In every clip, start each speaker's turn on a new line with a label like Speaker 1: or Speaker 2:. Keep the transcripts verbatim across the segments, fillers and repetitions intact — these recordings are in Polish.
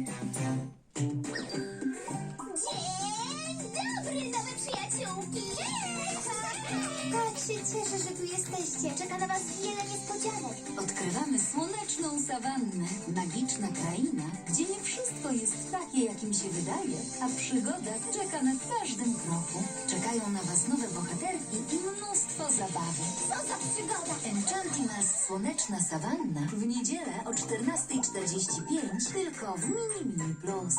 Speaker 1: Dzień dobry, nowe przyjaciółki!
Speaker 2: Tak się cieszę, że tu jesteście. Czeka na was wiele niespodzianek.
Speaker 3: Odkrywamy słoneczną sawannę, magiczna kraina, gdzie nie wszystko jest takie, jakim się wydaje, a przygoda czeka na każdym kroku. Czekają na was nowe bohaterki i mnóstwo zabawy.
Speaker 1: Co za przygoda!
Speaker 3: Enchantimals Słoneczna Sawanna w niedzielę o czternasta czterdzieści pięć tylko w Mini Mini Plus.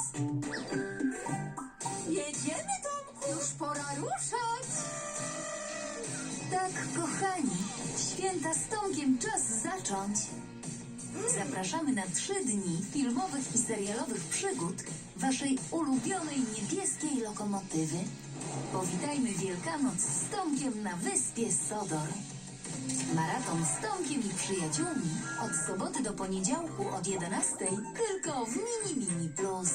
Speaker 2: Jedziemy, Tomku! Już pora ruszać!
Speaker 3: Tak, kochani, święta z Tomkiem czas zacząć. Zapraszamy na trzy dni filmowych i serialowych przygód waszej ulubionej niebieskiej lokomotywy. Powitajmy Wielkanoc z Tomkiem na wyspie Sodor. Maraton z Tomkiem i przyjaciółmi od soboty do poniedziałku od jedenastej tylko w Mini Mini Plus.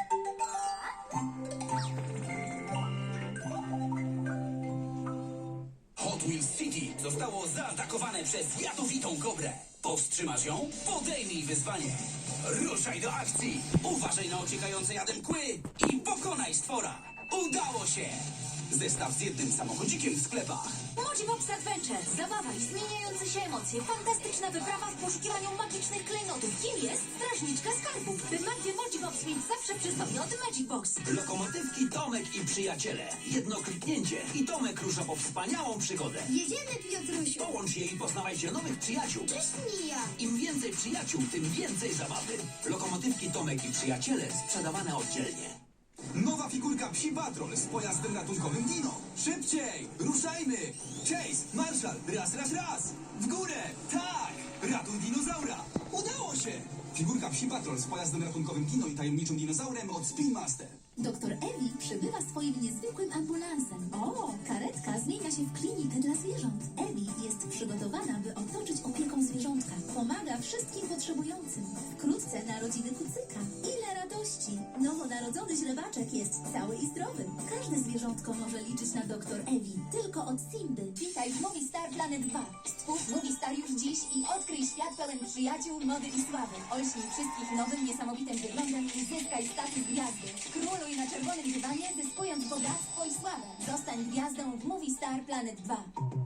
Speaker 4: Hot Wheels City zostało zaatakowane przez jadowitą kobrę. Powstrzymasz ją? Podejmij wyzwanie. Ruszaj do akcji. Uważaj na ociekające jadem kły i pokonaj stwora. Udało się! Zestaw z jednym samochodzikiem w sklepach.
Speaker 3: Mojibox Adventure. Zabawa i zmieniające się emocje. Fantastyczna wyprawa w poszukiwaniu magicznych klejnotów. Kim jest strażniczka skarbów? By magdzie Mojibox mieć zawsze przy sobie od Magic Box.
Speaker 4: Lokomotywki Tomek i przyjaciele. Jedno kliknięcie i Tomek rusza po wspaniałą przygodę.
Speaker 2: Jedziemy, Piotrusiu!
Speaker 4: Połącz je i poznawajcie nowych przyjaciół.
Speaker 2: Cześć, Mija!
Speaker 4: Im więcej przyjaciół, tym więcej zabawy. Lokomotywki Tomek i przyjaciele sprzedawane oddzielnie.
Speaker 5: Nowa figurka Psi Patrol z pojazdem ratunkowym Dino. Szybciej! Ruszajmy! Chase! Marshall! Raz, raz, raz! W górę! Tak! Ratuj dinozaura! Udało się! Figurka Psi Patrol z pojazdem ratunkowym Dino i tajemniczym dinozaurem od Spin Master.
Speaker 3: Doktor Ewi przybywa swoim niezwykłym ambulansem. O, karetka zmienia się w klinikę dla zwierząt. Ewi jest przygotowana, by otoczyć opieką zwierzątka. Pomaga wszystkim potrzebującym. Wkrótce narodziny kucyka. Ile radości! Nowonarodzony źrebaczek jest cały i zdrowy. Każde zwierzątko może liczyć na doktor Ewi. Tylko od Simby. Witaj w Movie Star Planet dwa. Stwórz Movie Star już dziś i odkryj świat pełen przyjaciół, mody i sławy. Olśnij wszystkich nowym, niesamowitym wyglądem i zyskaj status gwiazdy. Króluj na czerwonym dywanie, zyskując bogactwo i sławę. Zostań gwiazdą w Movie Star Planet dwa.